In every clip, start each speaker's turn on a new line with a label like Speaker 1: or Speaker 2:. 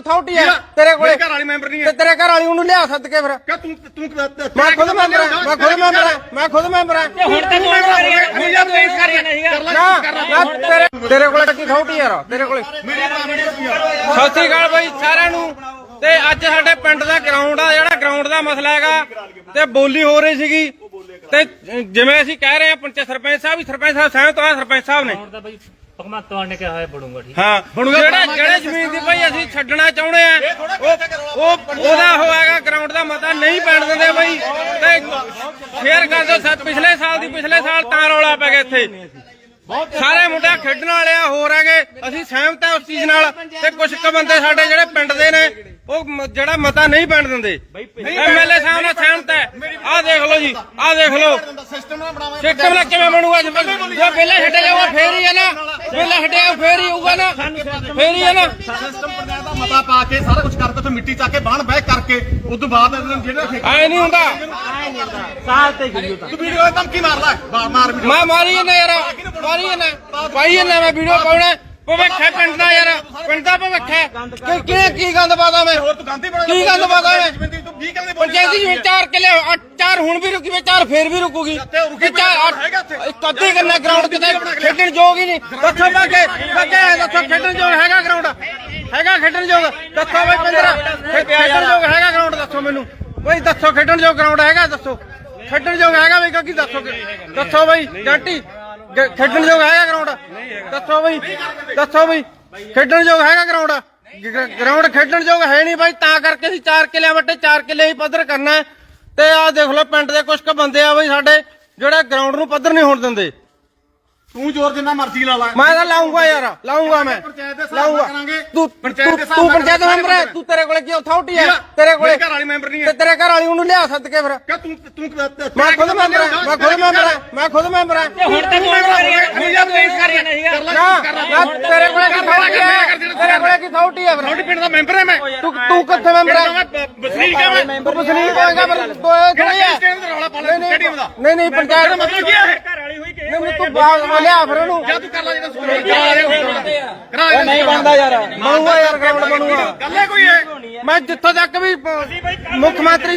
Speaker 1: Authority ਹੈ ਤੇਰੇ ਕੋਲੇ?
Speaker 2: ਘਰ ਵਾਲੀ ਮੈਂਬਰ ਨਹੀਂ
Speaker 1: ਤੇ ਤੇਰੇ ਘਰ ਵਾਲੀ ਉਹਨੂੰ ਲਿਆ ਸੱਦ ਕੇ ਫਿਰ।
Speaker 2: ਕਿ ਤੂੰ
Speaker 1: ਮੈਂ ਖੁਦ ਮੈਂਬਰ ਹਾਂ, ਮੈਂ ਖੁਦ ਮੈਂਬਰ ਹਾਂ, ਮੈਂ ਖੁਦ ਮੈਂਬਰ ਹਾਂ।
Speaker 3: ਹੁਣ ਤਾਂ ਤੂੰ
Speaker 1: ਤੇਰੇ ਕੋਲੇ ਕੀ ਅਥਾਰਟੀ ਯਾਰ ਤੇਰੇ ਕੋਲੇ? ਸਤਿ ਸ੍ਰੀ ਅਕਾਲ ਬਾਈ ਸਾਰਿਆਂ ਨੂੰ। ਤੇ ਅੱਜ ਸਾਡੇ ਪਿੰਡ ਦਾ ਗਰਾਊਂਡ ਆ, ਜਿਹੜਾ ਗਰਾਊਂਡ ਦਾ ਮਸਲਾ ਹੈਗਾ ਤੇ ਬੋਲੀ ਹੋ ਰਹੀ ਸੀਗੀ ਤੇ ਜਿਵੇਂ ਅਸੀਂ ਕਹਿ ਰਹੇ ਹਾਂ ਸਰਪੰਚ ਸਾਹਿਬ ਸਹਿਮਤ ਆ। ਸਰਪੰਚ ਸਾਹਿਬ ਨੇ
Speaker 3: ਭਗਵੰਤ ਮਾਨ ਨੇ ਕਿਹਾ ਹੈ ਬਣੂਗਾ ਠੀਕ।
Speaker 1: ਹਾਂ ਜਿਹੜੇ ਜ਼ਮੀਨ ਦੀ ਭਾਈ ਅਸੀਂ ਛੱਡਣਾ ਚਾਹੁੰਦੇ ਆ ਉਹਦਾ ਹੋਏਗਾ ਗਰਾਊਂਡ ਦਾ ਮਤਾ ਨਹੀਂ ਪੈਣ ਦਿੰਦੇ ਬਾਈ। ਤੇ ਸ਼ੇਅਰ ਕਰ ਦਿਓ। ਪਿਛਲੇ ਸਾਲ ਤਾਂ ਰੌਲਾ ਪੈ ਗਿਆ ਇੱਥੇ। ਸਾਰੇ ਮੁੰਡੇ ਖੇਡਣ ਵਾਲੇ ਆ, ਹੋਰ ਹੈਗੇ। ਅਸੀਂ ਸਹਿਮਤ ਆ ਉਸ ਚੀਜ਼ ਨਾਲ। ਤੇ ਕੁਝ ਕੁ ਬੰਦੇ ਸਾਡੇ ਜਿਹੜੇ ਪਿੰਡ ਦੇ ਨੇ ਉਹ ਜਿਹੜਾ ਮਤਾ ਨਹੀਂ ਪੈਣ ਦਿੰਦੇ। ਐਮਐਲਏ ਸਾਹਿਬ ਨਾਲ ਸਹਿਮਤ ਹੈ। ਆਹ ਦੇਖ ਲਓ ਜੀ, ਆਹ ਦੇਖ ਲਓ ਸਿਸਟਮ ਨਾਲ ਕਿਵੇਂ ਬਣੂਗਾ। ਜੇ ਪਹਿਲਾਂ ਛੱਡਿਆ ਜਾਊਗਾ ਫੇਰ ਹੀ ਹੈ ਨਾ, ਪਹਿਲਾਂ ਛੱਡਿਆ ਫੇਰ ਹੀ ਹੋਊਗਾ ਨਾ, ਫੇਰ ਹੀ ਹੈ ਨਾ।
Speaker 2: ਸਿਸਟਮ ਪੰਚਾਇਤ ਦਾ ਮਤਾ ਪਾ ਕੇ ਸਾਰਾ ਕੁਝ ਕਰਕੇ ਫਿਰ ਮਿੱਟੀ ਚੱਕ ਕੇ ਬਾਹਣ ਬਹਿ ਕਰਕੇ ਉਸ ਤੋਂ ਬਾਅਦ ਜਿਹੜਾ
Speaker 1: ਐ ਨਹੀਂ ਹੁੰਦਾ।
Speaker 3: ਸਾਲ ਤੇ ਗਿਰਿਓ ਤਾਂ
Speaker 2: ਤੂੰ ਵੀਡੀਓ ਧਮਕੀ ਮਾਰ ਲੈ, ਮਾਰ ਵੀਡੀਓ।
Speaker 1: ਮੈਂ ਮਾਰੀ ਜਾਂਦਾ ਯਾਰ, ਮਾਰੀ ਜਾਂਦਾ ਭਾਈ ਜਾਂਦਾ। ਮੈਂ ਵੀਡੀਓ ਪਾਉਣਾ ਭਵਿੱਖ ਹੈ ਪਿੰਡ ਦਾ ਯਾਰ, ਪਿੰਡ ਦਾ ਭਵਿੱਖ ਹੈ। ਕੀ ਗੰਦ ਪਾਦਾ ਮੈਂ?
Speaker 2: ਹੋਰ ਤੂੰ ਗਾਂਧੀ ਬਣਾ
Speaker 1: ਕੀ ਗੰਦ ਪਾਦਾ ਮੈਂ?
Speaker 2: ਤੂੰ 20 ਕਿੱਲੇ
Speaker 1: ਪੰਚਾਇਤੀ ਜ਼ਮੀਨ 4 ਕਿੱਲੇ, 4 ਹੁਣ ਵੀ ਰੁਕੀ ਵੇ, 4 ਫੇਰ ਵੀ ਰੁਕੂਗੀ। ਕਦੇ ਕਰਨਾ ਗਰਾਊਂਡ ਕਿਤੇ ਖੇਡਣ ਯੋਗ ਹੀ ਨਹੀਂ। ਦੱਸੋ ਬਾਕੇ ਦੱਸੋ ਖੇਡਣ ਯੋਗ ਹੈਗਾ ਗਰਾਊਂਡ? ਹੈਗਾ ਖੇਡਣ ਯੋਗ? ਦੱਸੋ ਬਈ 15 ਖੇਡਣ ਯੋਗ ਹੈਗਾ ਗਰਾਊਂਡ? ਦੱਸੋ ਮੈਨੂੰ ਬਈ, ਦੱਸੋ ਖੇਡਣ ਯੋਗ ਗਰਾਊਂਡ ਹੈਗਾ? ਦੱਸੋ ਖੇਡਣ ਯੋਗ ਹੈਗਾ ਬਈ? ਕਿਉਂਕਿ ਦੱਸੋ ਬਈ ਜੰਟੀ ਖੇਡਣ ਯੋਗ ਹੈਗਾ ਗਰਾਊਂਡ? ਦੱਸੋ ਬਈ, ਦੱਸੋ ਬਈ ਖੇਡਣ ਯੋਗ ਹੈਗਾ ਗਰਾਊਂਡ? ਗਰਾਊਂਡ ਖੇਡਣ ਯੋਗ ਹੈ ਨਹੀਂ ਬਾਈ। ਤਾਂ ਕਰਕੇ ਅਸੀਂ 4 ਕਿੱਲਿਆਂ ਵੱਟੇ 4 ਕਿੱਲੇ ਹੀ ਪੱਧਰ ਕਰਨਾ। ਤੇ ਆਹ ਦੇਖ ਲਓ ਪਿੰਡ ਦੇ ਕੁਝ ਕੁ ਬੰਦੇ ਆ ਬਈ ਸਾਡੇ ਜਿਹੜੇ ਗਰਾਊਂਡ ਨੂੰ ਪੱਧਰ ਨਹੀਂ ਹੋਣ ਦਿੰਦੇ।
Speaker 2: ਤੂੰ ਜ਼ੋਰ ਜਿੰਨਾ ਮਰਜ਼ੀ ਲਾ ਲੈ।
Speaker 1: ਮੈਂ ਤਾਂ ਲਾਉਂਗਾ ਯਾਰ, ਲਾਉਂਗਾ ਮੈਂ ਲਾਉਂਗਾ। ਤੂੰ ਪੰਚਾਇਤ ਮੈਂਬਰ ਹੈ, ਤੂੰ ਤੇਰੇ ਕੋਲੇ ਕੀ ਅਥਾਰਟੀ ਹੈ? ਤੇਰੇ ਕੋਲੇ
Speaker 2: ਘਰ ਵਾਲੀ ਮੈਂਬਰ ਨਹੀਂ
Speaker 1: ਤੇ ਤੇਰੇ ਘਰ ਵਾਲੀ ਉਹਨੂੰ ਲਿਆ ਸੱਦ ਕੇ ਫਿਰ।
Speaker 2: ਕਿ ਤੂੰ
Speaker 1: ਮੈਂ ਖੁਦ ਮੈਂਬਰ ਹਾਂ, ਮੈਂ ਖੁਦ ਮੈਂਬਰ ਹਾਂ, ਮੈਂ ਖੁਦ ਮੈਂਬਰ ਹਾਂ।
Speaker 3: ਹੁਣ ਤਾਂ ਤੂੰ
Speaker 1: ਤੇਰੇ ਕੋਲੇ ਕੀ ਅਥਾਰਟੀ ਹੈ? ਤੇਰੇ ਕੋਲੇ ਕੀ ਅਥਾਰਟੀ ਹੈ ਫਿਰ?
Speaker 2: ਤੁਹਾਡੇ ਪਿੰਡ ਦਾ ਮੈਂਬਰ ਹੈ ਮੈਂ।
Speaker 1: ਤੂੰ ਕਿੱਥੇ ਮੈਂਬਰ ਹੈ?
Speaker 2: ਵਸਨੀਕ ਹੈ ਮੈਂ।
Speaker 1: ਤੂੰ ਵਸਨੀਕ ਹੋਏਗਾ ਪਰ ਥੋੜੀ ਹੈ।
Speaker 2: ਰੌਲਾ ਪਾ ਲੈ ਸਟੇਡੀਅਮ ਦਾ।
Speaker 1: ਨਹੀਂ ਪੰਚਾਇਤ ਦਾ
Speaker 2: ਮਤਲਬ ਕੀ ਹੈ?
Speaker 3: ਘਰ ਵਾਲੀ ਹੋਈ ਕਿ
Speaker 1: ਨਹੀਂ ਤੂੰ ਬਾਹਰ ਲਿਆ ਫਿਰ ਉਹਨੂੰ।
Speaker 2: ਜਾਂ ਤੂੰ ਕਰ ਲੈ ਜਿਹੜਾ
Speaker 1: ਨਹੀਂ ਬਣਦਾ ਯਾਰ, ਬਣੂਗਾ ਯਾਰ ਗਰਾਊਂਡ ਬਣੂਗਾ।
Speaker 2: ਗੱਲ ਹੈ ਕੋਈ ਹੈ?
Speaker 1: ਮੈਂ ਜਿੱਥੋਂ ਤੱਕ ਵੀ ਮੁੱਖ ਮੰਤਰੀ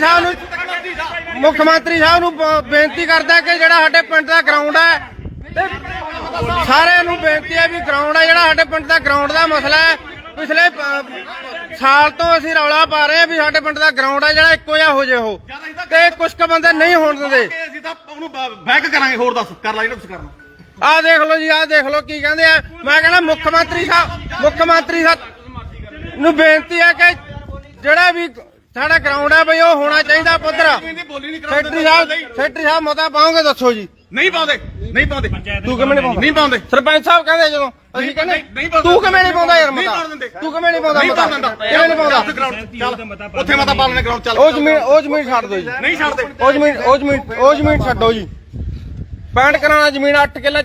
Speaker 1: ਸਾਹਿਬ ਨੂੰ ਬੇਨਤੀ ਕਰਦਾ ਕਿ ਜਿਹੜਾ ਸਾਡੇ ਪਿੰਡ ਦਾ ਗਰਾਊਂਡ ਹੈ ਤੇ ਸਾਰਿਆਂ ਨੂੰ ਬੇਨਤੀ ਹੈ ਵੀ ਗਰਾਊਂਡ ਹੈ ਜਿਹੜਾ ਸਾਡੇ ਪਿੰਡ ਦਾ ਗਰਾਊਂਡ ਦਾ ਮਸਲਾ ਹੈ। ਪਿਛਲੇ ਸਾਲ ਤੋਂ ਅਸੀਂ ਰੌਲਾ ਪਾ ਰਹੇ ਹਾਂ ਵੀ ਸਾਡੇ ਪਿੰਡ ਦਾ ਗਰਾਊਂਡ ਹੈ ਜਿਹੜਾ ਇੱਕੋ ਜਿਹਾ ਹੋ ਜੇ ਉਹ। ਤੇ ਕੁਝ ਕੁ ਬੰਦੇ ਨਹੀਂ ਹੋਣ ਦਿੰਦੇ।
Speaker 2: ਅਸੀਂ ਤਾਂ ਉਹਨੂੰ ਬੈਕ ਕਰਾਂਗੇ। ਹੋਰ ਦੱਸ ਕਰ ਲੈ ਜਿਹੜਾ ਤੁਸੀਂ ਕਰਨਾ।
Speaker 1: ਆਹ ਦੇਖ ਲਓ ਜੀ, ਆਹ ਦੇਖ ਲਓ ਕੀ ਕਹਿੰਦੇ ਆ। ਮੈਂ ਕਹਿੰਦਾ ਮੁੱਖ ਮੰਤਰੀ ਸਾਹਿਬ ਨੂੰ ਬੇਨਤੀ ਹੈ ਕਿ ਜਿਹੜਾ ਵੀ ਸਾਡਾ ਗਰਾਊਂਡ ਹੈ ਬਈ ਉਹ ਹੋਣਾ ਚਾਹੀਦਾ ਪੱਧਰ। ਸੈਕਟਰੀ ਸਾਹਿਬ ਮਤਾ ਪਾਓਗੇ? ਦੱਸੋ ਜੀ।
Speaker 2: ਨਹੀਂ ਪਾਉਂਦੇ।
Speaker 1: ਤੂੰ ਕਿਵੇਂ ਨਹੀਂ ਪਾਉਂਦੇ? ਸਰਪੰਚ ਸਾਹਿਬ ਕਹਿੰਦੇ ਜਦੋਂ ਅਸੀਂ ਕਹਿੰਦੇ ਤੂੰ ਕਿਵੇਂ ਨਹੀਂ ਪਾਉਂਦਾ ਯਾਰ ਮਤਾ? ਤੂੰ ਕਿਵੇਂ ਨਹੀਂ ਪਾਉਂਦਾ ਮਤਾ? ਕਿਵੇਂ ਨਹੀਂ ਪਾਉਂਦਾ?
Speaker 2: ਚੱਲ ਉੱਥੇ ਮਤਾ ਪਾ ਲੈਣੇ ਗਰਾਊਂਡ ਚੱਲ।
Speaker 1: ਉਹ ਜ਼ਮੀਨ ਛੱਡ ਦਿਓ ਜੀ।
Speaker 2: ਨਹੀਂ ਛੱਡਦੇ।
Speaker 1: ਉਹ ਜ਼ਮੀਨ ਛੱਡੋ ਜੀ। 65 ਕਰਾਣਾ ਜ਼ਮੀਨ 8 ਕਿੱਲੇ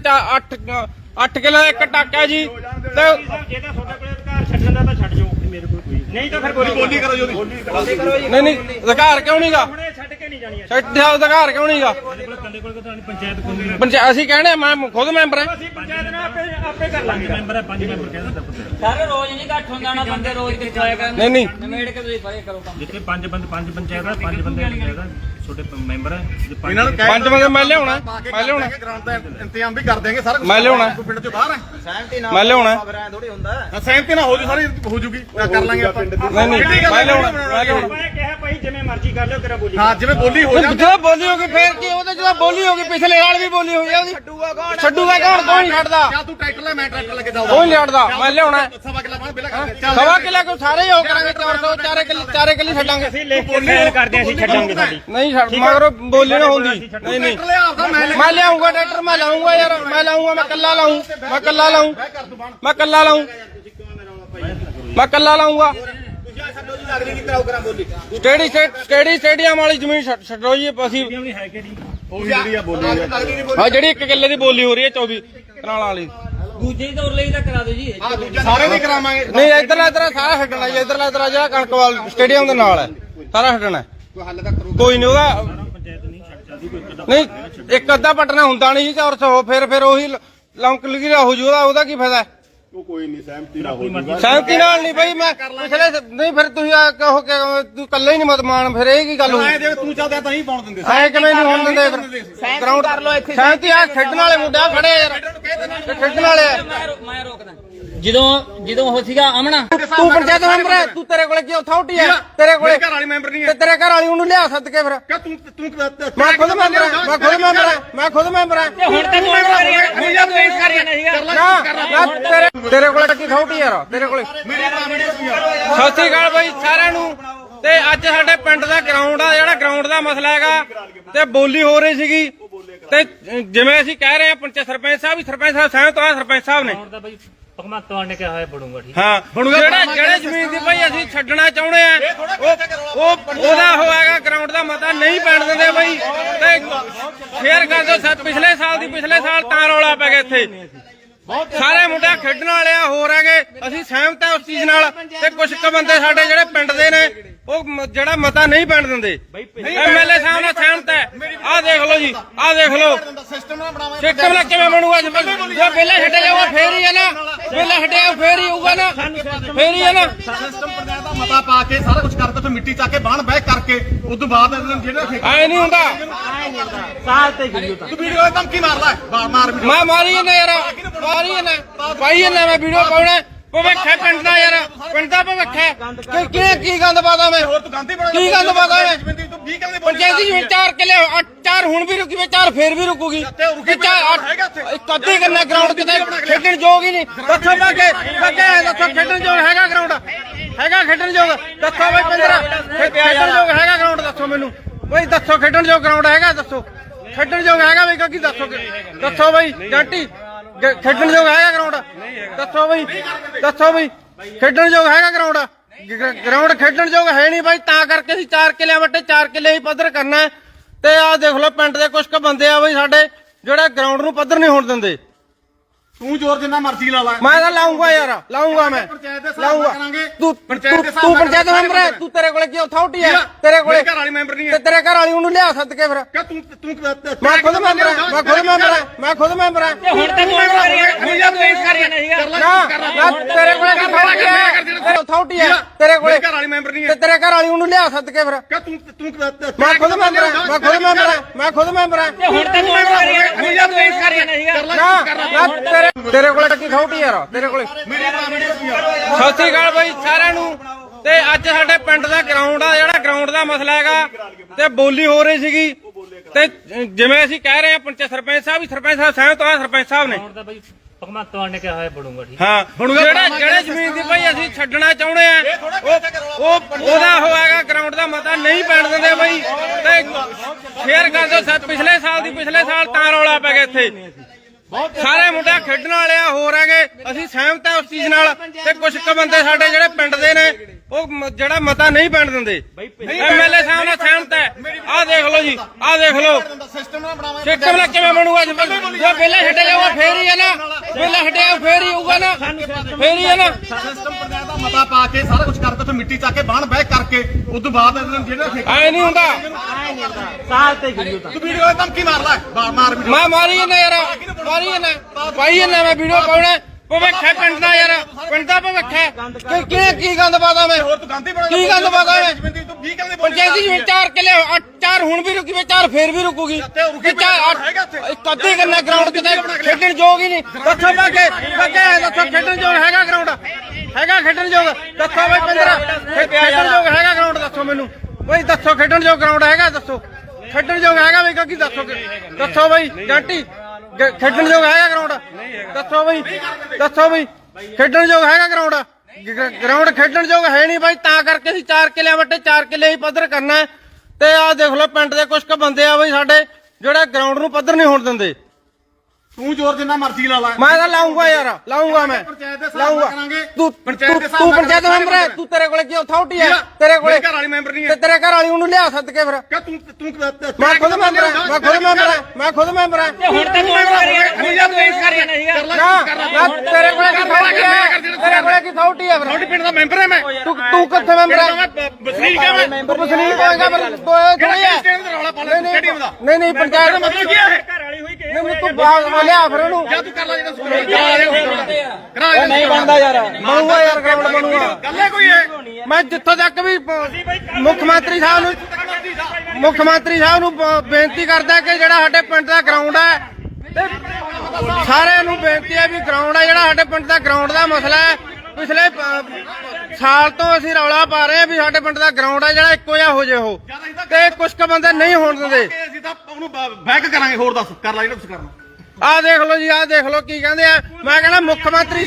Speaker 1: 8 ਕਿੱਲੇ ਦਾ ਇੱਕ ਟਾਕਾ ਜੀ। ਤੇ
Speaker 3: ਜੇ ਤਾਂ ਤੁਹਾਡੇ ਕੋਲ ਅਧਿਕਾਰ ਛੱਡਣ ਦਾ ਤਾਂ ਛੱਡ ਜਾਓ, ਮੇਰੇ ਕੋਲ ਕੋਈ ਨਹੀਂ ਤਾਂ ਫਿਰ
Speaker 2: ਬੋਲੀ ਕਰੋ ਜੀ।
Speaker 1: ਨਹੀਂ ਅਧਿਕਾਰ ਕਿਉਂ ਨਹੀਂਗਾ?
Speaker 3: ਹੁਣੇ ਛੱਡ ਕੇ ਨਹੀਂ ਜਾਣੀ।
Speaker 1: ਸੈਕਟਰੀ ਸਾਹਿਬ ਅਧਿਕਾਰ ਕਿਉਂ ਨਹੀਂਗਾ?
Speaker 3: ਕੰਦੇ ਕੋਲ ਤਾਂ ਪੰਚਾਇਤ
Speaker 1: ਅਸੀਂ ਕਹਿੰਦੇ ਮੈਂ ਖੁਦ ਮੈਂਬਰ ਹਾਂ।
Speaker 3: ਅਸੀਂ ਪੰਚਾਇਤ ਨਾਲ ਆਪੇ ਕਰ ਲਾਂਗੇ। ਮੈਂਬਰ ਹੈ 5 ਮੈਂਬਰ ਕਹਿੰਦਾ
Speaker 4: ਸਾਰੇ ਰੋਜ਼ ਨਹੀਂ ਇਕੱਠ ਹੁੰਦਾ ਨਾ, ਬੰਦੇ ਰੋਜ਼ ਕਿੱਥੇ ਆਇਆ ਕਰਨ।
Speaker 1: ਨਹੀਂ
Speaker 4: ਨਵੇੜ ਕੇ ਤੁਸੀਂ ਪਰੇ ਕਰੋ ਕੰਮ।
Speaker 3: ਜਿੱਥੇ 5 ਪੰਚਾਇਤ ਆ, 5 ਬੰਦੇ ਪੰਚਾਇਤ ਆ, ਛੋਟੇ ਮੈਂਬਰ ਆ।
Speaker 2: ਇਹਨਾਂ ਨੂੰ
Speaker 1: 5 ਬੰਦੇ ਮੈਂ ਲਿਆਉਣਾ
Speaker 2: ਗਰਾਊਂਡ ਦਾ ਇੰਤਜ਼ਾਮ ਵੀ ਕਰ ਦੇਂਗੇ ਸਾਰਾ।
Speaker 1: ਮੈਂ ਲਿਆਉਣਾ
Speaker 2: ਪਿੰਡ ਚੋਂ ਬਾਹਰ ਹੈ।
Speaker 1: ਮੈਂ ਲਿਆਉਣਾ।
Speaker 2: ਸਹਿਮਤੀ ਨਾਲ ਹੋ ਜੂ ਸਾਰੀ ਹੋ ਜੂਗੀ। ਕਰ ਲਾਂਗੇ ਆਪਾਂ।
Speaker 1: ਨਹੀਂ ਮੈਂ ਲਿਆਉਣਾ।
Speaker 3: ਮੈਂ ਕਿਹਾ ਭਾਈ ਜਿਵੇਂ ਮਰਜ਼ੀ ਕਰ ਲਿਓ, ਤੇਰਾ ਬੋਲੀ।
Speaker 2: ਹਾਂ ਜਿਵੇਂ ਬੋਲੀ ਹੋ ਜਾਂਦੀ।
Speaker 1: ਜਦੋਂ ਬੋਲੀ ਹੋ ਗਈ ਫੇਰ ਕੀ? ਉਹਦੇ ਜਦੋਂ ਬੋਲੀ ਹੋ ਗਈ ਪਿਛਲੇ ਨਾਲ ਵੀ ਬੋਲੀ ਹੋਈ ਆ ਉਹਦੀ। ਛੱਡੂਗਾ ਕੌਣ? ਕੋਈ ਨਹੀਂ ਛੱਡਦਾ।
Speaker 2: ਚੱਲ ਤੂੰ ਟਰੈਕਟਰ ਲੈ, ਮੈਂ ਟਰੈਕਟਰ ਲੈ ਕੇ ਜਾਊਂਗਾ।
Speaker 1: ਕੋਈ ਨਹੀਂ ਛੱਡਦਾ। ਮੈਂ ਲਿਆਉਣਾ।
Speaker 2: ਸਵਾ ਕਿੱਲਾ ਬਾਹਰ ਬਿਲਾ
Speaker 1: ਸਵਾ ਕਿੱਲਾ ਕੋਈ ਸਾਰੇ ਹੀ ਹੋ ਕਰਾਂਗੇ। 400 4 ਕਿੱਲੇ ਛੱਡਾਂਗੇ।
Speaker 3: ਅਸੀਂ ਲਿਖ ਕੇ ਸਾਈਨ ਕਰਦੇ ਅਸੀਂ ਛੱਡਾਂਗੇ ਸਾਡੀ।
Speaker 1: ਨਹੀਂ ਛੱਡ ਮਗਰੋਂ ਬੋਲੀ ਨਾ ਹੁੰਦੀ। ਨਹੀਂ ਮੈਂ ਲਿਆਉਂਗਾ ਟਰੈਕਟਰ। ਮੈਂ ਲਾਉਂਗਾ ਯਾਰ, ਮੈਂ ਲਾਉਂਗਾ। ਮੈਂ ਕੱਲਾ ਲਾਉਂਗਾ। ਸਟੇਡੀਅਮ ਵਾਲੀ ਜ਼ਮੀਨ ਛੱਡੋ ਜੀ। ਅਸੀਂ
Speaker 3: ਹੈ ਕਿ ਨਹੀਂ
Speaker 2: ਉਹ ਜਿਹੜੀ ਆ ਬੋਲੀ
Speaker 1: ਆ ਜਿਹੜੀ 1 ਕਿੱਲੇ ਦੀ ਬੋਲੀ ਹੋ ਰਹੀ ਹੈ 24 ਕਨਾਲਾਂ ਵਾਲੀ।
Speaker 4: ਦੂਜੇ ਹੀ ਦੌਰ ਲਈ ਤਾਂ ਕਰਾ ਦਿਓ ਜੀ।
Speaker 2: ਸਾਰੇ ਨਹੀਂ ਕਰਾਵਾਂਗੇ।
Speaker 1: ਨਹੀਂ ਇੱਧਰਲਾ ਸਾਰਾ ਛੱਡਣਾ ਜੀ। ਇੱਧਰਲਾ ਜਿਹੜਾ ਕਣਕਵਾਲ ਸਟੇਡੀਅਮ ਦੇ ਨਾਲ ਹੈ ਸਾਰਾ ਛੱਡਣਾ। ਕੋਈ ਨਹੀਂ ਉਹਦਾ ਨਹੀਂ ਇੱਕ ਅੱਧਾ ਪਟਨਾ ਹੁੰਦਾ ਨਹੀਂ ਜੀ 400। ਫਿਰ ਉਹੀ ਲੌਂਕ ਲਗੀ ਹੋ ਜੂ। ਉਹਦਾ ਕੀ ਫਾਇਦਾ?
Speaker 2: ਉਹ ਕੋਈ ਨਹੀਂ ਸਹਿਮਤੀ ਨਾਲ ਹੋ ਜੂਗਾ
Speaker 1: ਸਹਿਮਤੀ ਨਾਲ ਨਹੀਂ ਬਈ ਮੈਂ ਪਿਛਲੇ ਨਹੀਂ ਫਿਰ ਤੁਸੀਂ ਆ ਕਹੋ ਕਿ ਤੂੰ ਇਕੱਲੇ ਹੀ ਨਹੀਂ ਮਤਮਾਨ ਫਿਰ ਇਹ ਕੀ ਗੱਲ ਹੋਈ
Speaker 2: ਜੇ ਤੂੰ ਚਾਹਦਾ ਤਾਂ ਨਹੀਂ ਪਾਉਣ ਦਿੰਦੇ
Speaker 1: ਐ ਕਿਵੇਂ ਨਹੀਂ ਹੋਣ ਦਿੰਦੇ ਫਿਰ ਗਰਾਊਂਡ ਕਰ ਲੋ ਇੱਥੇ ਸਹਿਮਤੀ ਆ ਖੇਡਣ ਵਾਲੇ ਮੁੰਡੇ ਆ ਖੜੇ ਯਾਰ ਖੇਡਣ ਵਾਲੇ ਆ।
Speaker 4: ਮੈਂ ਰੋਕਦਾ ਜਦੋਂ ਉਹ ਸੀਗਾ ਅਮਨਾ
Speaker 1: ਤੂੰ ਪੰਚਾਇਤ ਮੈਂਬਰ ਹੈ ਤੂੰ ਤੇਰੇ ਕੋਲੇ ਕੀ ਅਥਾਰਟੀ ਹੈ ਤੇਰੇ ਕੋਲੇ
Speaker 2: ਘਰ ਵਾਲੀ ਮੈਂਬਰ ਨਹੀਂ
Speaker 1: ਤੇ ਤੇਰੇ ਘਰ ਵਾਲੀ ਉਹਨੂੰ ਲਿਆ ਸੱਦ ਕੇ ਫਿਰ
Speaker 2: ਕਿ ਤੂੰ
Speaker 1: ਮੈਂ ਖੁਦ ਮੈਂਬਰ ਹਾਂ ਮੈਂ ਖੁਦ ਮੈਂਬਰ ਹਾਂ
Speaker 4: ਹੁਣ ਤੈਨੂੰ ਮੈਂ ਕਰ ਰਿਹਾ ਸੀਗਾ
Speaker 1: ਤੇਰੇ ਕੋਲੇ ਕੀ ਅਥਾਰਟੀ ਯਾਰ ਤੇਰੇ ਕੋਲੇ ਸਤਿ ਸ੍ਰੀ ਅਕਾਲ ਬਾਈ ਸਾਰਿਆਂ ਨੂੰ ਤੇ ਅੱਜ ਸਾਡੇ ਪਿੰਡ ਦਾ ਗਰਾਊਂਡ ਆ ਜਿਹੜਾ ਗਰਾਊਂਡ ਦਾ ਮਸਲਾ ਹੈਗਾ ਤੇ ਬੋਲੀ ਹੋ ਰਹੀ ਸੀਗੀ ਤੇ ਜਿਵੇਂ ਅਸੀਂ ਕਹਿ ਰਹੇ ਆ ਸਰਪੰਚ ਸਾਹਿਬ ਸਹਿਮਤ ਹੋਇਆ ਸਰਪੰਚ ਸਾਹਿਬ ਨੇ
Speaker 3: ਭਗਵੰਤ ਮਾਨ ਨੇ ਕਿਹਾ ਹੋਇਆ ਬਣੂਗਾ ਠੀਕ
Speaker 1: ਹਾਂ ਜਿਹੜੇ ਜ਼ਮੀਨ ਦੀ ਭਾਈ ਅਸੀਂ ਛੱਡਣਾ ਚਾਹੁੰਦੇ ਆ ਉਹਦਾ ਹੋਏਗਾ ਗਰਾਊਂਡ ਦਾ ਮਤਾ ਨਹੀਂ ਪੈਣ ਦਿੰਦੇ ਬਾਈ ਤੇ ਸ਼ੇਅਰ ਕਰ ਦਿਓ ਪਿਛਲੇ ਸਾਲ ਤਾਂ ਰੌਲਾ ਪੈ ਗਿਆ ਇੱਥੇ ਸਾਰੇ ਮੁੰਡੇ ਖੇਡਣ ਵਾਲੇ ਆ ਹੋਰ ਹੈਗੇ ਅਸੀਂ ਸਹਿਮਤ ਆ ਉਸ ਚੀਜ਼ ਨਾਲ ਤੇ ਕੁਝ ਕੁ ਬੰਦੇ ਸਾਡੇ ਜਿਹੜੇ ਪਿੰਡ ਦੇ ਨੇ ਉਹ ਜਿਹੜਾ ਮਤਾ ਨਹੀਂ ਪੈਣ ਦਿੰਦੇ ਐਮਐਲਏ ਸਾਹਿਬ ਨਾਲ ਸਹਿਮਤ ਹੈ ਆਹ ਦੇਖ ਲਓ ਜੀ ਆਹ ਦੇਖ ਲਓ ਸਿਸਟਮ ਨਾਲ ਕਿਵੇਂ ਬਣੂਗਾ ਜੇ ਪਹਿਲਾਂ ਛੱਡਿਆ ਜਾਊਗਾ ਫੇਰ ਹੀ ਹੈ ਨਾ ਪਹਿਲਾਂ ਛੱਡਿਆ ਫੇਰ ਹੀ ਹੋਊਗਾ ਨਾ ਫੇਰ ਹੀ ਹੈ ਨਾ
Speaker 2: ਸਿਸਟਮ ਪੰਚਾਇਤ ਦਾ ਮਤਾ ਪਾ ਕੇ ਸਾਰਾ ਕੁਝ ਕਰਦੇ ਤੇ ਮਿੱਟੀ ਚੱਕ ਕੇ ਬਾਹਣ ਬਹਿ ਕਰਕੇ ਉਸ ਤੋਂ ਬਾਅਦ ਜਿਹੜਾ
Speaker 1: ਐ ਨਹੀਂ ਹੁੰਦਾ
Speaker 3: ਸਾਲ ਤੇ ਗਈ
Speaker 2: ਤੂੰ ਵੀਡੀਓ ਤੇ ਧਮਕੀ ਮਾਰ ਲੈ ਮਾਰ ਵੀਡੀਓ
Speaker 1: ਮੈਂ ਮਾਰੀ ਜਾਂਦਾ ਯਾਰ ਮਾਰੀ ਜਾਂਦਾ ਪਾਈ ਜਾਂਦਾ ਮੈਂ ਵੀਡੀਓ ਪਾਉਣਾ ਭਵਿੱਖ ਹੈ ਪਿੰਡ ਦਾ ਯਾਰ ਪਿੰਡ ਦਾ ਭਵਿੱਖ ਹੈ ਕੀ ਗੰਦ ਪਾਦਾ ਮੈਂ
Speaker 2: ਹੋਰ ਤੂੰ ਗਾਂਧੀ ਬਣਾ
Speaker 1: ਕੀ ਗੰਦ ਪਾਦਾ ਮੈਂ
Speaker 2: ਤੂੰ 20 ਕਿੱਲੇ
Speaker 1: ਪੰਚਾਇਤੀ ਜਿਵੇਂ 4 ਕਿੱਲੇ 4 ਹੁਣ ਵੀ ਰੁਕੀ ਵੇ 4 ਫੇਰ ਵੀ ਰੁਕੂਗੀ ਇੱਕ ਅੱਧੀ ਕਰਨਾ ਗਰਾਊਂਡ ਕਿਤੇ ਖੇਡਣ ਯੋਗ ਹੀ ਨਹੀਂ ਦੱਸੋ ਮੈਂ ਕਿ ਦੱਸੋ ਖੇਡਣ ਯੋਗ ਹੈਗਾ ਗਰਾਊਂਡ ਹੈਗਾ ਖੇਡਣ ਯੋਗ ਦੱਸੋ ਬਈ 15 ਖੇਡਣ ਯੋਗ ਹੈਗਾ ਗਰਾਊਂਡ ਦੱਸੋ ਮੈਨੂੰ ਬਈ ਦੱਸੋ ਖੇਡਣ ਯੋਗ ਗਰਾਊਂਡ ਹੈਗਾ ਦੱਸੋ ਖੇਡਣ ਯੋਗ ਹੈਗਾ ਬਈ ਕੀ ਦੱਸੋ ਬਈ ਜੰਟੀ ਖੇਡਣ ਯੋਗ ਹੈਗਾ ਗਰਾਊਂਡ ਦੱਸੋ ਬਈ ਖੇਡਣ ਯੋਗ ਹੈਗਾ ਗਰਾਊਂਡ ਖੇਡਣ ਯੋਗ ਹੈ ਨਹੀਂ ਬਾਈ ਤਾਂ ਕਰਕੇ ਅਸੀਂ 4 ਕਿੱਲਿਆਂ ਵੱਟੇ 4 ਕਿੱਲੇ ਹੀ ਪੱਧਰ ਕਰਨਾ ਤੇ ਆਹ ਦੇਖ ਲਓ ਪਿੰਡ ਦੇ ਕੁਝ ਕੁ ਬੰਦੇ ਆ ਬਈ ਸਾਡੇ ਜਿਹੜੇ ਗਰਾਊਂਡ ਨੂੰ ਪੱਧਰ ਨਹੀਂ ਹੋਣ ਦਿੰਦੇ
Speaker 2: ਤੂੰ ਜ਼ੋਰ ਜਿੰਨਾ ਮਰਜ਼ੀ ਲਾ ਲੈ
Speaker 1: ਮੈਂ ਤਾਂ ਲਾਉਂਗਾ ਯਾਰ ਲਾਉਂਗਾ ਮੈਂ ਲਾਉਂਗਾ ਤੂੰ ਪੰਚਾਇਤ ਮੈਂਬਰ ਹੈ ਤੂੰ ਤੇਰੇ ਕੋਲੇ ਕੀ ਅਥਾਰਟੀ ਹੈ ਤੇਰੇ ਕੋਲੇ
Speaker 2: ਘਰ ਵਾਲੀ ਮੈਂਬਰ ਨਹੀਂ
Speaker 1: ਤੇ ਤੇਰੇ ਘਰ ਵਾਲੀ ਉਹਨੂੰ ਲਿਆ ਸੱਦ ਕੇ ਫਿਰ
Speaker 2: ਕਿ ਤੂੰ
Speaker 1: ਮੈਂ ਖੁਦ ਮੈਂਬਰ ਹਾਂ
Speaker 4: ਹੁਣ ਤੈਨੂੰ ਮੈਂ ਕਰ ਰਿਹਾ
Speaker 1: ਤੇਰੇ ਕੋਲੇ ਕੀ ਅਥਾਰਟੀ ਹੈ ਤੇਰੇ ਕੋਲੇ
Speaker 2: ਘਰ ਵਾਲੀ ਮੈਂਬਰ ਨਹੀਂ
Speaker 1: ਤੇ ਤੇਰੇ ਘਰ ਵਾਲੀ ਉਹਨੂੰ ਲਿਆ ਸੱਦ ਕੇ ਫਿਰ
Speaker 2: ਕਿ ਤੂੰ
Speaker 1: ਮੈਂ ਖੁਦ ਮੈਂਬਰ ਹਾਂ
Speaker 4: ਹੁਣ ਤੈਨੂੰ ਮੈਂ ਕਰ ਰਿਹਾ
Speaker 1: ਤੇਰੇ ਕੋਲੇ ਕੀ ਅਥਾਰਟੀ ਯਾਰ ਤੇਰੇ ਕੋਲੇ ਸਤਿ ਸ੍ਰੀ ਅਕਾਲ ਬਾਈ ਸਾਰਿਆਂ ਨੂੰ ਤੇ ਅੱਜ ਸਾਡੇ ਪਿੰਡ ਦਾ ਗਰਾਊਂਡ ਆ ਜਿਹੜਾ ਗਰਾਊਂਡ ਦਾ ਮਸਲਾ ਹੈਗਾ ਤੇ ਬੋਲੀ ਹੋ ਰਹੀ ਸੀਗੀ ਤੇ ਜਿਵੇਂ ਅਸੀਂ ਕਹਿ ਰਹੇ ਆ ਸਰਪੰਚ ਸਾਹਿਬ ਸਹਿਮਤ ਹੋਇਆ ਸਰਪੰਚ ਸਾਹਿਬ ਨੇ
Speaker 3: ਭਗਵੰਤ ਮਾਨ ਨੇ ਕਿਹਾ ਹੋਇਆ ਬਣੂਗਾ ਠੀਕ
Speaker 1: ਹਾਂ ਜਿਹੜੇ ਜ਼ਮੀਨ ਦੀ ਭਾਈ ਅਸੀਂ ਛੱਡਣਾ ਚਾਹੁੰਦੇ ਆ ਉਹਦਾ ਹੋਏਗਾ ਗਰਾਊਂਡ ਦਾ ਮਤਾ ਨਹੀਂ ਪੈਣ ਦਿੰਦੇ ਬਾਈ ਤੇ ਸ਼ੇਅਰ ਕਰ ਦਿਓ ਪਿਛਲੇ ਸਾਲ ਤਾਂ ਰੌਲਾ ਪੈ ਗਿਆ ਇੱਥੇ ਸਾਰੇ ਮੁੰਡੇ ਖੇਡਣ ਵਾਲੇ ਆ ਹੋਰ ਹੈਗੇ ਅਸੀਂ ਸਹਿਮਤ ਆ ਉਸ ਚੀਜ਼ ਨਾਲ ਤੇ ਕੁਝ ਕੁ ਬੰਦੇ ਸਾਡੇ ਜਿਹੜੇ ਪਿੰਡ ਦੇ ਨੇ ਉਹ ਜਿਹੜਾ ਮਤਾ ਨਹੀਂ ਪੈਣ ਦਿੰਦੇ ਐਮਐਲਏ ਸਾਹਿਬ ਨਾਲ ਸਹਿਮਤ ਹੈ ਆਹ ਦੇਖ ਲਓ ਜੀ ਆਹ ਦੇਖ ਲਓ
Speaker 2: ਸਿਸਟਮ
Speaker 1: ਨਾਲ ਕਿਵੇਂ ਬਣੂਗਾ ਜੇ ਪਹਿਲਾਂ ਛੱਡਿਆ ਜਾਊਗਾ ਫੇਰ ਹੀ ਹੈ ਨਾ ਪਹਿਲਾਂ ਛੱਡਿਆ ਫੇਰ ਹੀ ਹੋਊਗਾ ਨਾ ਫੇਰ ਹੀ ਹੈ ਨਾ
Speaker 2: ਸਿਸਟਮ ਪੰਚਾਇਤ ਦਾ ਮਤਾ ਪਾ ਕੇ ਸਾਰਾ ਕੁਝ ਕਰਦੇ ਤੇ ਮਿੱਟੀ ਚੱਕ ਕੇ ਬਾਹਣ ਬਹਿ ਕਰਕੇ ਉਸ ਤੋਂ ਬਾਅਦ ਜਿਹੜਾ
Speaker 1: ਐ ਨਹੀਂ ਹੁੰਦਾ
Speaker 3: ਸਾਲ ਤੇ ਗਈ
Speaker 2: ਤੂੰ ਵੀਡੀਓ ਤੇ ਧਮਕੀ ਮਾਰ ਲੈ ਮਾਰ ਵੀਡੀਓ
Speaker 1: ਮੈਂ ਮਾਰੀ ਜਾਂਦਾ ਯਾਰ ਪਾਈ ਜਾਂਦਾ ਮੈਂ ਵੀਡੀਓ ਪਾਉਣਾ ਭਵਿੱਖ ਹੈ ਪਿੰਡ ਦਾ ਯਾਰ ਪਿੰਡ ਦਾ ਭਵਿੱਖ ਹੈ ਕੀ ਗੰਦ ਪਾਦਾ ਮੈਂ
Speaker 2: ਹੋਰ ਤੂੰ ਗਾਂਧੀ ਬਣਾ
Speaker 1: ਕੀ ਗੰਦ ਪਾਦਾ ਮੈਂ
Speaker 2: ਤੂੰ 20 ਕਿੱਲੇ
Speaker 1: ਪੰਚਾਇਤੀ ਜਿਵੇਂ 4 ਕਿੱਲੇ 4 ਹੁਣ ਵੀ ਰੁਕੀ ਵੇ 4 ਫੇਰ ਵੀ ਰੁਕੂਗੀ ਇੱਕ ਅੱਧੀ ਕਰਨਾ ਗਰਾਊਂਡ ਕਿਤੇ ਖੇਡਣ ਯੋਗ ਹੀ ਨਹੀਂ ਦੱਸੋ ਮੈਂ ਕਿ ਦੱਸੋ ਖੇਡਣ ਯੋਗ ਹੈਗਾ ਗਰਾਊਂਡ ਖੇਡਣ ਯੋਗ ਦੱਸੋ ਬਈ 15 ਖੇਡਣ ਯੋਗ ਹੈਗਾ ਗਰਾਊਂਡ ਦੱਸੋ ਮੈਨੂੰ ਬਈ ਦੱਸੋ ਖੇਡਣ ਯੋਗ ਗਰਾਊਂਡ ਹੈਗਾ ਦੱਸੋ ਖੇਡਣ ਯੋਗ ਹੈਗਾ ਬਈ ਕੀ ਦੱਸੋ ਬਈ ਜੰਟੀ ਖੇਡਣ ਯੋਗ ਹੈਗਾ ਗਰਾਊਂਡ ਦੱਸੋ ਬਈ ਖੇਡਣ ਯੋਗ ਹੈਗਾ ਗਰਾਊਂਡ ਖੇਡਣ ਯੋਗ ਹੈ ਨਹੀਂ ਬਾਈ ਤਾਂ ਕਰਕੇ ਅਸੀਂ 4 ਕਿੱਲਿਆਂ ਵੱਟੇ 4 ਕਿੱਲੇ ਹੀ ਪੱਧਰ ਕਰਨਾ ਤੇ ਆਹ ਦੇਖ ਲਓ ਪਿੰਡ ਦੇ ਕੁਝ ਕੁ ਬੰਦੇ ਆ ਬਈ ਸਾਡੇ ਜਿਹੜੇ ਗਰਾਊਂਡ ਨੂੰ ਪੱਧਰ ਨਹੀਂ ਹੋਣ ਦਿੰਦੇ
Speaker 2: ਤੂੰ ਜ਼ੋਰ ਜਿੰਨਾ ਮਰਜ਼ੀ ਲਾ ਲੈ
Speaker 1: ਮੈਂ ਤਾਂ ਲਾਉਂਗਾ ਯਾਰ ਲਾਉਂਗਾ ਮੈਂ ਤੂੰ ਪੰਚਾਇਤ ਮੈਂਬਰ ਹੈ ਤੂੰ ਤੇਰੇ ਕੋਲੇ ਕੀ ਅਥਾਰਟੀ ਹੈ ਤੇਰੇ ਕੋਲੇ
Speaker 2: ਘਰ ਵਾਲੀ ਮੈਂਬਰ ਨਹੀਂ
Speaker 1: ਤੇ ਤੇਰੇ ਘਰ ਵਾਲੀ ਉਹਨੂੰ ਲਿਆ ਸੱਦ ਕੇ ਫਿਰ
Speaker 2: ਕਿ ਤੂੰ
Speaker 1: ਮੈਂ ਖੁਦ ਮੈਂਬਰ ਹਾਂ
Speaker 4: ਹੁਣ ਤੈਨੂੰ ਮੈਂ ਕਰ ਰਿਹਾ
Speaker 1: ਤੇਰੇ ਕੋਲੇ ਕੀ ਅਥਾਰਟੀ ਹੈ
Speaker 2: ਤੁਹਾਡੇ ਪਿੰਡ ਦਾ ਮੈਂਬਰ ਹੈ ਮੈਂ
Speaker 1: ਤੂੰ ਕਿੱਥੇ ਮੈਂਬਰ ਹੈ
Speaker 2: ਵਸਨੀਕ ਹੈ ਮੈਂ
Speaker 1: ਤੂੰ ਵਸਨੀਕ ਹੋਏਗਾ ਪਰ ਥੋੜੀ ਹੈ
Speaker 2: ਸਟੇਡੀਅਮ ਦਾ ਰੌਲਾ ਪਾ ਲੈ ਸਟੇਡੀਅਮ ਦਾ
Speaker 1: ਨਹੀਂ ਪੰਚਾਇਤ
Speaker 2: ਮਤਲਬ ਕੀ ਹੈ
Speaker 3: ਘਰ ਵਾਲੀ ਹੋਈ ਕਿ
Speaker 1: ਉਹਨੂੰ ਤੂੰ ਬਾਹਰ ਲਿਆ ਫਿਰ ਉਹਨੂੰ
Speaker 2: ਜਾਂ ਤੂੰ ਕਰ ਲੈ ਜਿਹੜਾ ਕਰਾ
Speaker 1: ਨਹੀਂ ਬਣਦਾ ਯਾਰ ਬਣੂਗਾ ਯਾਰ ਗਰਾਊਂਡ ਬਣੂਗਾ
Speaker 2: ਗੱਲ ਹੈ ਕੋਈ ਇਹ
Speaker 1: ਮੈਂ ਜਿੱਥੋਂ ਤੱਕ ਵੀ ਮੁੱਖ ਮੰਤਰੀ ਸਾਹਿਬ ਨੂੰ ਬੇਨਤੀ ਕਰਦਾ ਕਿ ਜਿਹੜਾ ਸਾਡੇ ਪਿੰਡ ਦਾ ਗਰਾਊਂਡ ਹੈ ਤੇ ਸਾਰਿਆਂ ਨੂੰ ਬੇਨਤੀ ਹੈ ਵੀ ਗਰਾਊਂਡ ਹੈ ਜਿਹੜਾ ਸਾਡੇ ਪਿੰਡ ਦਾ ਗਰਾਊਂਡ ਦਾ ਮਸਲਾ ਹੈ ਪਿਛਲੇ ਸਾਲ ਤੋਂ ਅਸੀਂ ਰੌਲਾ ਪਾ ਰਹੇ ਹਾਂ ਵੀ ਸਾਡੇ ਪਿੰਡ ਦਾ ਗਰਾਊਂਡ ਹੈ ਜਿਹੜਾ ਇੱਕੋ ਜਿਹਾ ਹੋ ਜੇ ਉਹ ਤੇ ਕੁਝ ਕੁ ਬੰਦੇ ਨਹੀਂ ਹੋਣ ਦਿੰਦੇ
Speaker 2: ਅਸੀਂ ਤਾਂ ਉਹਨੂੰ ਬੈਕ ਕਰਾਂਗੇ ਹੋਰ ਦੱਸ ਕਰ ਲੈ ਜਿਹੜਾ ਤੁਸੀਂ ਕਰਨਾ
Speaker 1: ਆਹ ਦੇਖ ਲਓ ਜੀ ਆਹ ਦੇਖ ਲਓ ਕੀ ਕਹਿੰਦੇ ਆ ਮੈਂ ਕਹਿੰਦਾ ਮੁੱਖ ਮੰਤਰੀ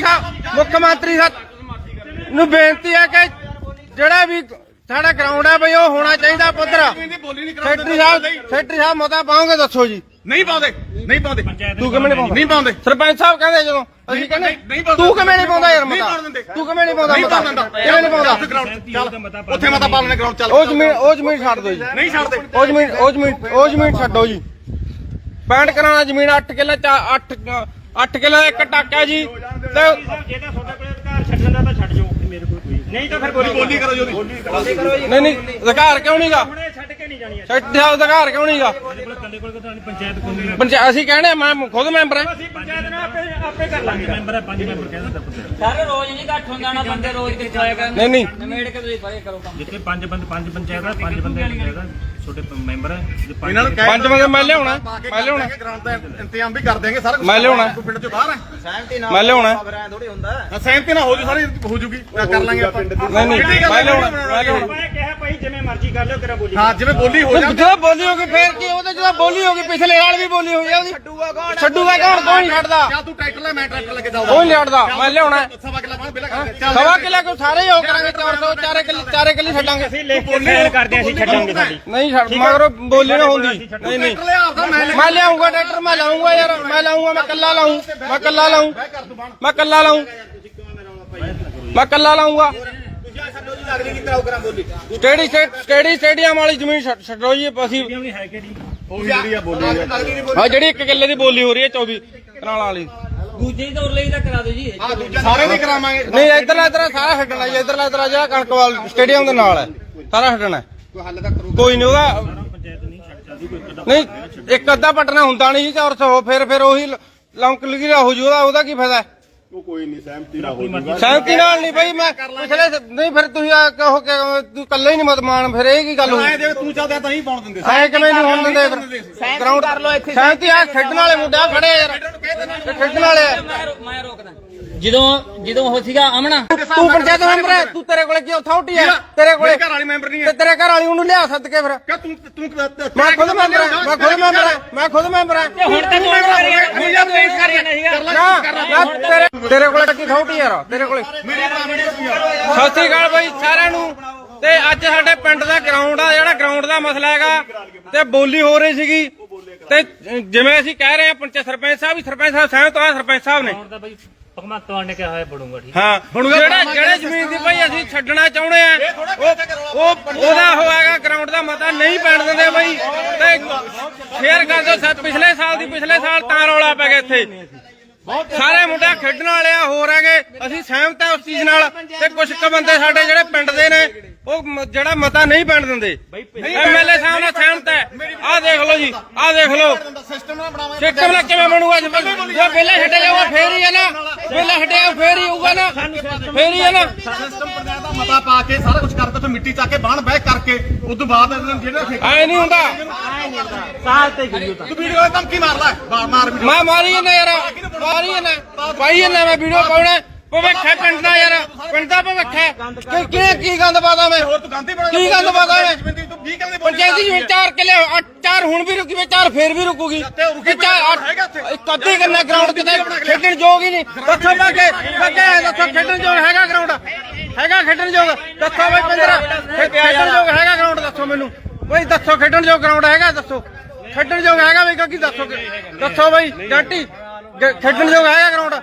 Speaker 1: ਸਾਹਿਬ ਨੂੰ ਬੇਨਤੀ ਹੈ ਕਿ ਜਿਹੜਾ ਵੀ ਸਾਡਾ ਗਰਾਊਂਡ ਹੈ ਬਈ ਉਹ ਹੋਣਾ ਚਾਹੀਦਾ ਪੱਧਰ ਸੈਕਟਰੀ ਸਾਹਿਬ ਮਤਾ ਪਾਓਗੇ ਦੱਸੋ ਜੀ
Speaker 2: ਨਹੀਂ ਪਾਉਂਦੇ
Speaker 1: ਤੂੰ ਕਿਵੇਂ ਨਹੀਂ ਪਾਉਂਦਾ ਸਰਪੰਚ ਸਾਹਿਬ ਕਹਿੰਦੇ ਜਦੋਂ ਅਸੀਂ ਕਹਿੰਦੇ ਤੂੰ ਕਿਵੇਂ ਨਹੀਂ ਪਾਉਂਦਾ ਯਾਰ ਮਤਾ ਤੂੰ ਕਿਵੇਂ ਨਹੀਂ ਪਾਉਂਦਾ ਮਤਾ ਕਿਵੇਂ ਨਹੀਂ ਪਾਉਂਦਾ
Speaker 2: ਉੱਥੇ ਮਤਾ ਪਾ ਲੈਣੇ ਗਰਾਊਂਡ ਚੱਲ
Speaker 1: ਉਹ ਜ਼ਮੀਨ ਛੱਡ ਦਿਓ ਜੀ
Speaker 2: ਨਹੀਂ ਛੱਡਦੇ
Speaker 1: ਉਹ ਜ਼ਮੀਨ ਛੱਡੋ ਜੀ 65 ਕਰਾਣਾ ਜ਼ਮੀਨ 8 ਕਿੱਲੇ 8 ਕਿੱਲੇ ਦਾ ਇੱਕ ਟਾਕਾ ਜੀ ਤੇ
Speaker 3: ਜੇ ਤਾਂ ਤੁਹਾਡੇ ਕੋਲ ਅਧਿਕਾਰ ਛੱਡਣ ਦਾ ਤਾਂ ਛੱਡ ਜਾਓ ਮੇਰੇ ਕੋਲ ਕੋਈ ਨਹੀਂ ਤਾਂ ਫਿਰ
Speaker 2: ਬੋਲੀ ਕਰੋ ਜੀ ਉਹਦੀ
Speaker 1: ਨਹੀਂ ਅਧਿਕਾਰ ਕਿਉਂ ਨਹੀਂਗਾ
Speaker 3: ਹੁਣੇ ਛੱਡ ਕੇ ਨਹੀਂ ਜਾਣੀ
Speaker 1: ਸੈਕਟਰੀ ਸਾਹਿਬ ਅਧਿਕਾਰ ਕਿਉਂ ਨਹੀਂਗਾ
Speaker 3: ਕੱਲੇ ਕੋਲ ਤਾਂ ਪੰਚਾਇਤ ਕੋਈ
Speaker 1: ਅਸੀਂ ਕਹਿੰਦੇ ਮੈਂ ਖੁਦ ਮੈਂਬਰ ਹਾਂ
Speaker 3: ਅਸੀਂ ਪੰਚਾਇਤ ਨਾਲ ਆਪੇ ਕਰ ਲਾਂਗੇ ਮੈਂਬਰ ਹੈ 5 ਮੈਂਬਰ ਕਹਿੰਦਾ
Speaker 5: ਸਾਰੇ ਰੋਜ਼ ਨਹੀਂ ਘੱਟ ਹੁੰਦਾ ਨਾ ਬੰਦੇ ਰੋਜ਼ ਕਿੱਥੇ ਆਇਆ ਕਰਨ
Speaker 1: ਨਹੀਂ
Speaker 5: ਨਵੇੜ ਕੇ ਤੁਸੀਂ ਪਰੇ ਕਰੋ ਕੰਮ
Speaker 3: ਜਿੱਥੇ 5 ਪੰਚਾਇਤ ਹੈ 5 ਬੰਦੇ ਪੰਚਾਇਤ ਛੋਟੇ ਮੈਂਬਰ ਹੈ
Speaker 2: ਇਹਨਾਂ ਨੂੰ
Speaker 1: 5 ਬੰਦੇ ਮੈਂ ਲਿਆਉਣਾ
Speaker 2: ਗਰਾਊਂਡ ਦਾ ਇੰਤਜ਼ਾਮ ਵੀ ਕਰ ਦੇਂਗੇ ਸਾਰਾ ਕੁਝ
Speaker 1: ਮੈਂ ਲਿਆਉਣਾ
Speaker 2: ਪਿੰਡ ਚੋਂ ਬਾਹਰ ਹੈ
Speaker 1: ਮੈਂ ਲਿਆਉਣਾ
Speaker 2: ਸਹਿਮਤੀ ਨਾਲ ਹੋ ਜੂ ਸਾਰੀ ਹੋ ਜੂਗੀ ਕਰ ਲਾਂਗੇ ਆਪਾਂ
Speaker 1: ਨਹੀਂ ਮੈਂ ਲਿਆਉਣਾ
Speaker 3: ਮੈਂ ਕਿਹਾ ਭਾਈ ਜਿਵੇਂ ਮਰਜ਼ੀ ਕਰ ਲਿਓ ਤੇਰਾ ਬੋਲੀ
Speaker 2: ਹਾਂ ਜਿਵੇਂ ਬੋਲੀ ਹੋ ਜਾ
Speaker 1: ਜਦੋਂ ਬੋਲੀ ਹੋਗੀ ਫੇਰ ਕੀ ਉਹਦੇ ਜਦੋਂ ਬੋਲੀ ਹੋਗੀ ਪਿਛਲੇ ਨਾਲ ਵੀ ਬੋਲੀ ਹੋਈ ਆ ਉਹਦੀ ਛੱਡੂਗਾ ਕੌਣ ਨਹੀਂ ਛੱਡਦਾ
Speaker 2: ਜਾਂ ਤੂੰ ਟਰੈਕਟਰ ਲੈ ਮੈਂ ਟਰੈਕਟਰ ਲੈ ਕੇ
Speaker 1: ਕੋਈ ਨਹੀਂ ਛੱਡਦਾ ਮੈਂ ਲਿਆਉਣਾ
Speaker 2: ਸਵਾ ਕਿੱਲਾ ਬਾਹਰ ਬਿਲਾ ਕਰ ਚੱਲ
Speaker 1: ਸਵਾ ਕਿੱਲਾ ਕੋ ਸਾਰੇ ਹੀ ਹੋ ਕਰਾਂਗੇ 400 ਚਾਰੇ ਕਿੱਲੇ ਛੱਡਾਂਗੇ
Speaker 3: ਅਸੀਂ ਲਿਖ ਕੇ ਸਾਈਨ ਕਰਦੇ ਅਸੀਂ ਛੱਡਾਂਗੇ ਸਾਡੀ
Speaker 1: ਨਹੀਂ ਛੱਡ ਮਗਰੋਂ ਬੋਲੀ ਨਾ ਹੁੰਦੀ ਨਹੀਂ
Speaker 2: ਟਰੈਕਟਰ ਲਿਆ ਆਪਦਾ
Speaker 1: ਮੈਂ ਲਿਆਉਂਗਾ ਟਰੈਕਟਰ ਮੈਂ ਲਾਉਂਗਾ ਯਾਰ ਮੈਂ ਲਾਉਂਗਾ ਮੈਂ ਕੱਲਾ ਲਾਉਂਗਾ ਕਿਹੜੀ ਸਟੇਡੀਅਮ ਵਾਲੀ ਜ਼ਮੀਨ ਛੱਡੋ ਜੀ ਅਸੀਂ
Speaker 3: ਨਹੀਂ ਹੈ ਕਿਹੜੀ
Speaker 2: ਉਹ ਜਿਹੜੀ ਆ ਬੋਲੀ
Speaker 1: ਹਾਂ ਜਿਹੜੀ 1 ਕਿੱਲੇ ਦੀ ਬੋਲੀ ਹੋ ਰਹੀ ਹੈ 24 ਕਨਾਲਾਂ ਵਾਲੀ
Speaker 5: ਦੂਜੇ ਦੌਰ ਲਈ ਤਾਂ ਕਰਾ ਦਿਓ ਜੀ
Speaker 2: ਸਾਰੇ ਨਹੀਂ ਕਰਾਵਾਂਗੇ
Speaker 1: ਨਹੀਂ ਇਧਰਲਾ ਸਾਰਾ ਛੱਡਣਾ ਜੀ ਇਧਰਲਾ ਜਿਹੜਾ ਕਣਕਵਾਲ ਸਟੇਡੀਅਮ ਦੇ ਨਾਲ ਹੈ ਸਾਰਾ ਛੱਡਣਾ ਕੋਈ ਨਹੀਂ ਉਹਦਾ ਨਹੀਂ ਇੱਕ ਅੱਧਾ ਪਟਨਾ ਹੁੰਦਾ ਨਹੀਂ ਜੀ 400 ਫਿਰ ਉਹੀ ਲੌਂਕ ਲਗੀਰਾ ਹੋ ਜੂ ਉਹਦਾ ਕੀ ਫਾਇਦਾ
Speaker 6: ਉਹ ਕੋਈ ਨਹੀਂ ਸਹਿਮਤੀ ਨਾਲ ਹੋ ਜਾਊਗਾ
Speaker 1: ਸਹਿਮਤੀ ਨਾਲ ਨਹੀਂ ਬਈ ਮੈਂ ਪਿਛਲੇ ਨਹੀਂ ਫਿਰ ਤੁਸੀਂ ਕਹੋ ਕਿ ਤੂੰ ਕੱਲੇ ਹੀ ਨਹੀਂ ਮਤਮਾਨ ਫਿਰ ਇਹ ਕੀ ਗੱਲ ਹੋਈ
Speaker 2: ਐ ਦੇਖ ਤੂੰ ਚੱਲਦਾ ਤਾਂ ਹੀ ਪਾਉਣ ਦਿੰਦੇ
Speaker 1: ਐ ਕਿਵੇਂ ਨਹੀਂ ਹੋਣ ਦਿੰਦੇ ਫਿਰ ਗਰਾਊਂਡ ਕਰ ਲੋ ਇੱਥੇ ਸਹਿਮਤੀ ਆ ਖੇਡਣ ਵਾਲੇ ਮੁੰਡਾ ਖੜੇ ਯਾਰ ਖੇਡਣ ਵਾਲੇ
Speaker 5: ਮੈਂ ਰੋਕਦਾ ਜਦੋਂ ਉਹ ਸੀਗਾ ਅਮਣਾ
Speaker 1: ਤੂੰ ਪੰਚਾਇਤ ਮੈਂਬਰ ਹੈ ਤੂੰ ਤੇਰੇ ਕੋਲੇ ਕੀ ਅਥਾਰਟੀ ਹੈ ਤੇਰੇ ਕੋਲੇ
Speaker 2: ਘਰ ਵਾਲੀ ਮੈਂਬਰ ਨਹੀਂ
Speaker 1: ਤੇ ਤੇਰੇ ਘਰ ਵਾਲੀ ਉਹਨੂੰ ਲਿਆ ਸੱਦ ਕੇ ਫਿਰ
Speaker 2: ਕਿ ਤੂੰ
Speaker 1: ਮੈਂ ਖੁਦ ਮੈਂਬਰ ਹਾਂ
Speaker 5: ਹੁਣ ਤਾਂ ਤੂੰ ਪੇਸ਼ ਕਰ ਜਾਣਾ ਸੀਗਾ
Speaker 1: ਤੇਰੇ ਕੋਲੇ ਕੀ ਅਥਾਰਟੀ ਯਾਰ ਤੇਰੇ ਕੋਲੇ ਸਤਿ ਸ੍ਰੀ ਅਕਾਲ ਬਾਈ ਸਾਰਿਆਂ ਨੂੰ ਤੇ ਅੱਜ ਸਾਡੇ ਪਿੰਡ ਦਾ ਗਰਾਊਂਡ ਆ ਜਿਹੜਾ ਗਰਾਊਂਡ ਦਾ ਮਸਲਾ ਹੈਗਾ ਤੇ ਬੋਲੀ ਹੋ ਰਹੀ ਸੀਗੀ ਤੇ ਜਿਵੇਂ ਅਸੀਂ ਕਹਿ ਰਹੇ ਹਾਂ ਸਰਪੰਚ ਸਾਹਿਬ ਸਹਿਮਤ ਆ ਸਰਪੰਚ ਸਾਹਿਬ ਨੇ
Speaker 3: ਭਗਵੰਤ ਮਾਨ ਨੇ ਕਿਹਾ ਹੋਇਆ ਬੜੂਗਾ ਠੀਕ
Speaker 1: ਹਾਂ ਜਿਹੜੇ ਜ਼ਮੀਨ ਦੀ ਭਾਈ ਅਸੀਂ ਛੱਡਣਾ ਚਾਹੁੰਦੇ ਆ ਉਹਦਾ ਹੋਏਗਾ ਗਰਾਊਂਡ ਦਾ ਮਤਾ ਨਹੀਂ ਪੈਣ ਦਿੰਦੇ ਬਾਈ ਤੇ ਸ਼ੇਅਰ ਕਰ ਦਿਓ ਪਿਛਲੇ ਸਾਲ ਤਾਂ ਰੌਲਾ ਪੈ ਗਿਆ ਇੱਥੇ ਸਾਰੇ ਮੁੰਡੇ ਖੇਡਣ ਵਾਲੇ ਆ ਹੋਰ ਹੈਗੇ ਅਸੀਂ ਸਹਿਮਤ ਆ ਉਸ ਚੀਜ਼ ਨਾਲ ਤੇ ਕੁਝ ਕੁ ਬੰਦੇ ਸਾਡੇ ਜਿਹੜੇ ਪਿੰਡ ਦੇ ਨੇ ਉਹ ਜਿਹੜਾ ਮਤਾ ਨਹੀਂ ਪੈਣ ਦਿੰਦੇ ਐਮਐਲਏ ਸਾਹਿਬ ਨਾਲ ਸਹਿਮਤ ਹੈ ਆਹ ਦੇਖ ਲਓ ਜੀ ਆਹ ਦੇਖ ਲਓ
Speaker 2: ਸਿਸਟਮ ਨਾਲ ਬਣਾਵਾਂਗੇ
Speaker 1: ਸਿਸਟਮ ਨਾਲ ਕਿਵੇਂ ਬਣੂਗਾ ਜੇ ਪਹਿਲਾਂ ਛੱਡਿਆ ਜਾਊਗਾ ਫੇਰ ਹੀ ਹੈ ਨਾ ਪਹਿਲਾਂ ਛੱਡਿਆ ਫੇਰ ਹੀ ਹੋਊਗਾ ਨਾ ਫੇਰ ਹੀ ਹੈ ਨਾ
Speaker 2: ਸਿਸਟਮ ਪੰਚਾਇਤ ਦਾ ਮਤਾ ਪਾ ਕੇ ਸਾਰਾ ਕੁਝ ਕਰਕੇ ਉੱਥੇ ਮਿੱਟੀ ਚੱਕ ਕੇ ਬਾਹਣ ਬਹਿ ਕਰਕੇ ਉਸ ਤੋਂ ਬਾਅਦ ਜਿਹੜਾ
Speaker 1: ਐ ਨਹੀਂ ਹੁੰਦਾ
Speaker 3: ਸਾਲ ਤੇ ਗਈ
Speaker 2: ਤੂੰ ਵੀਡੀਓ ਦਾ ਧਮਕੀ ਮਾਰ ਲੈ ਮਾਰ ਵੀਡੀਓ
Speaker 1: ਮੈਂ ਮਾਰੀ ਜਾਂਦਾ ਯਾਰ ਮਾਰੀ ਜਾਂਦਾ ਭਾਈ ਜਾਂਦਾ ਮੈਂ ਵੀਡੀਓ ਪਾਉਣਾ ਭਵਿੱਖ ਹੈ ਪਿੰਡ ਦਾ ਯਾਰ ਪਿੰਡ ਦਾ ਭਵਿੱਖ ਹੈ ਕੀ ਗੰਦ ਪਾਦਾ ਮੈਂ
Speaker 2: ਹੋਰ ਤੂੰ ਗਾਂਧੀ ਬਣਾ
Speaker 1: ਕੀ ਗੰਦ ਪਾਦਾ ਮੈਂ
Speaker 2: ਤੂੰ 20 ਕਿੱਲੇ
Speaker 1: ਪੰਚਾਇਤੀ ਜ਼ਮੀਨ 4 ਕਿੱਲੇ 4 ਹੁਣ ਵੀ ਰੁਕੀ ਵੇ 4 ਫੇਰ ਵੀ ਰੁਕੂਗੀ ਇੱਕ ਅੱਧੀ ਕਿੰਨਾ ਗਰਾਊਂਡ ਕਿਤੇ ਖੇਡਣ ਯੋਗ ਹੀ ਨਹੀਂ ਦੱਸੋ ਬਾਕੇ ਦੱਸੋ ਖੇਡਣ ਯੋਗ ਹੈਗਾ ਗਰਾਊਂਡ ਹੈਗਾ ਖੇਡਣ ਯੋਗ ਦੱਸੋ ਬਈ 15 ਖੇਡਣ ਯੋਗ ਹੈਗਾ ਗਰਾਊਂਡ ਦੱਸੋ ਮੈਨੂੰ ਬਈ ਦੱਸੋ ਖੇਡਣ ਯੋਗ ਗਰਾਊਂਡ ਹੈਗਾ ਦੱਸੋ ਖੇਡਣ ਯੋਗ ਹੈਗਾ ਬਈ ਕੀ ਦੱਸੋ ਬਈ ਜੰਟੀ ਖੇਡਣ ਯੋਗ ਹੈਗਾ ਗਰਾਊਂਡ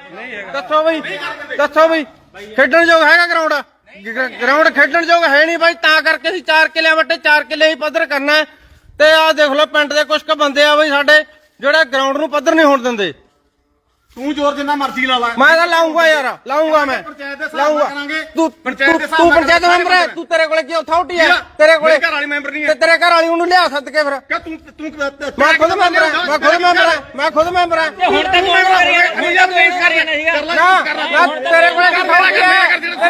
Speaker 1: ਦੱਸੋ ਬਈ ਖੇਡਣ ਯੋਗ ਹੈਗਾ ਗਰਾਊਂਡ ਖੇਡਣ ਯੋਗ ਹੈ ਨਹੀਂ ਬਾਈ ਤਾਂ ਕਰਕੇ ਅਸੀਂ 4 ਕਿੱਲਿਆਂ ਵੱਟੇ 4 ਕਿੱਲੇ ਹੀ ਪੱਧਰ ਕਰਨਾ ਤੇ ਆਹ ਦੇਖ ਲਓ ਪਿੰਡ ਦੇ ਕੁਝ ਕੁ ਬੰਦੇ ਆ ਬਈ ਸਾਡੇ ਜਿਹੜੇ ਗਰਾਊਂਡ ਨੂੰ ਪੱਧਰ ਨਹੀਂ ਹੋਣ ਦਿੰਦੇ
Speaker 2: ਤੂੰ ਜ਼ੋਰ ਜਿੰਨਾ ਮਰਜ਼ੀ ਲਾ ਲੈ
Speaker 1: ਮੈਂ ਤਾਂ ਲਾਉਂਗਾ ਯਾਰ ਲਾਉਂਗਾ ਮੈਂ
Speaker 2: ਪੰਚਾਇਤ ਦੇ ਹਿਸਾਬ
Speaker 1: ਲਾਉਂਗਾ
Speaker 2: ਨਾਲ ਕਰਾਂਗੇ
Speaker 1: ਤੂੰ
Speaker 2: ਪੰਚਾਇਤ ਦੇ ਹਿਸਾਬ
Speaker 1: ਤੂੰ
Speaker 2: ਨਾਲ
Speaker 1: ਪੰਚਾਇਤ ਮੈਂਬਰ ਹੈ ਤੂੰ ਤੇਰੇ ਕੋਲੇ ਕੀ ਅਥਾਰਟੀ ਹੈ ਤੇਰੇ ਕੋਲੇ
Speaker 2: ਘਰ ਵਾਲੀ ਮੈਂਬਰ ਨਹੀਂ
Speaker 1: ਤੇ
Speaker 2: ਹੈ
Speaker 1: ਤੇਰੇ ਘਰ ਵਾਲੀ ਉਹਨੂੰ ਲਿਆ ਸੱਦ ਕੇ ਫਿਰ
Speaker 2: ਕਿ ਤੂੰ
Speaker 1: ਮੈਂ ਖੁਦ ਮੈਂਬਰ ਹਾਂ ਮੈਂ ਖੁਦ ਮੈਂਬਰ ਹਾਂ ਮੈਂ ਖੁਦ ਮੈਂਬਰ ਹਾਂ
Speaker 5: ਹੁਣ ਤਾਂ ਤੂੰ ਮੈਂਬਰ ਹੋ ਗਿਆ ਹੁਣ ਤਾਂ ਪੇਸ਼ ਕਰ ਰਿਹਾ ਸੀਗਾ
Speaker 1: ਨਾ ਤੇਰੇ ਕੋਲੇ ਕੀ ਅਥਾਰਟੀ ਹੈ